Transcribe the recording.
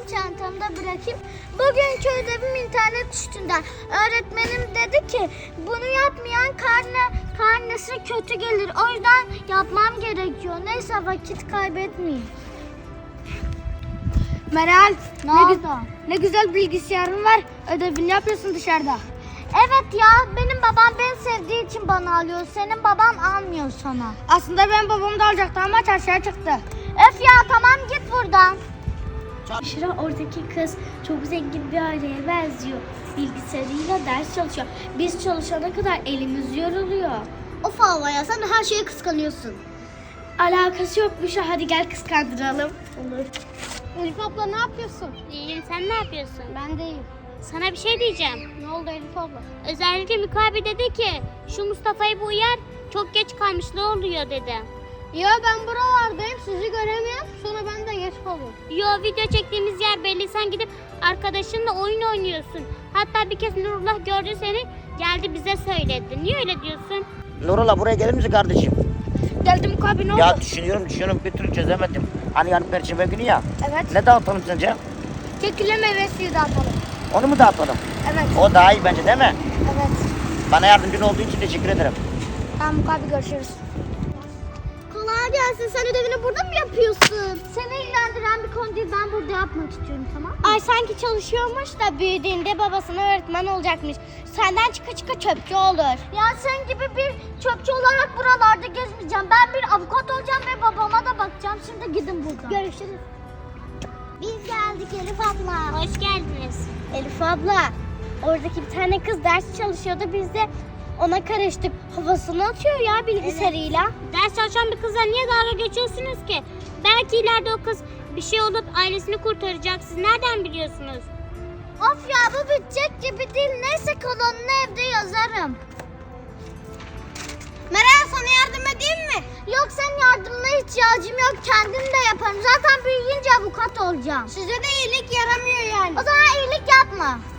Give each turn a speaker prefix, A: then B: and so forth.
A: çantamda bırakayım. Bugünkü ödevim internet üstünden. Öğretmenim dedi ki bunu yapmayan karnesine kötü gelir. O yüzden yapmam gerekiyor. Neyse vakit kaybetmeyeyim.
B: Meral,
A: Ne oldu?
B: ne güzel bilgisayarın var. Ödevini yapıyorsun dışarıda.
A: Evet ya, benim babam beni sevdiği için bana alıyor. Senin baban almıyor sana.
B: Aslında ben babam da alacaktı ama çarşıya çıktı.
A: Öf ya, tamam git buradan.
C: Şira oradaki kız çok zengin bir aileye benziyor. Bilgisayarıyla ders çalışıyor. Biz çalışana kadar elimiz yoruluyor.
A: Of Havva ya, sen de her şeye kıskanıyorsun.
C: Alakası yokmuş. Hadi gel kıskandıralım.
A: Olur. Elif abla ne yapıyorsun?
D: İyiyim, sen ne yapıyorsun?
A: Ben de iyiyim.
D: Sana bir şey diyeceğim.
A: Ne oldu Elif abla?
D: Özellikle Mikabi dedi ki şu Mustafa'yı bu uyar, çok geç kalmış, ne oluyor dedi.
A: Ya ben buralardayım, sizi göremiyorum. Sonra ben de geç kalıyorum.
D: Yo, video çektiğimiz yer belli, sen gidip arkadaşınla oyun oynuyorsun. Hatta bir kez Nurullah gördü seni, geldi bize söyledi. Niye öyle diyorsun?
E: Nurullah buraya gelir misin kardeşim?
B: Geldim abi, ne oldu?
E: Ya düşünüyorum bir türlü çözemedim. Hani yarın Perşembe günü ya.
B: Evet.
E: Ne dağıtalım sence?
B: Kekile meyve suyu dağıtalım.
E: Onu mu dağıtalım?
B: Evet.
E: O daha iyi bence değil mi?
B: Evet.
E: Bana yardımcın olduğu için teşekkür ederim.
B: Tamam abi, görüşürüz.
A: Kolay gelsin. Sen ödevini burada mı yapıyorsun? Seni ilgilendiren bir konu değil. Ben burada yapmak istiyorum, tamam mı?
C: Ay sanki çalışıyormuş da büyüdüğünde babasına öğretmen olacakmış. Senden çıka çöpçü olur.
A: Ya sen gibi bir çöpçü olarak buralarda gezmeyeceğim. Ben bir avukat olacağım ve babama da bakacağım. Şimdi gidin buradan.
C: Görüşürüz.
A: Biz geldik Elif abla.
D: Hoş geldiniz.
C: Elif abla, oradaki bir tane kız ders çalışıyordu. Biz de ona karıştık. Havasını atıyor ya bilgisayarıyla.
D: Ders çalışan bir kızla niye dalga geçiyorsunuz ki? Belki ileride o kız bir şey olup ailesini kurtaracak. Siz nereden biliyorsunuz?
A: Of ya, bu bitecek gibi değil. Neyse, kalanını evde yazarım. Meral, sana yardım edeyim mi? Yok, senin yardımına ihtiyacım yok. Kendim de yaparım. Zaten büyüyünce avukat olacağım. Size de iyilik yaramıyor yani. O zaman iyilik yapma.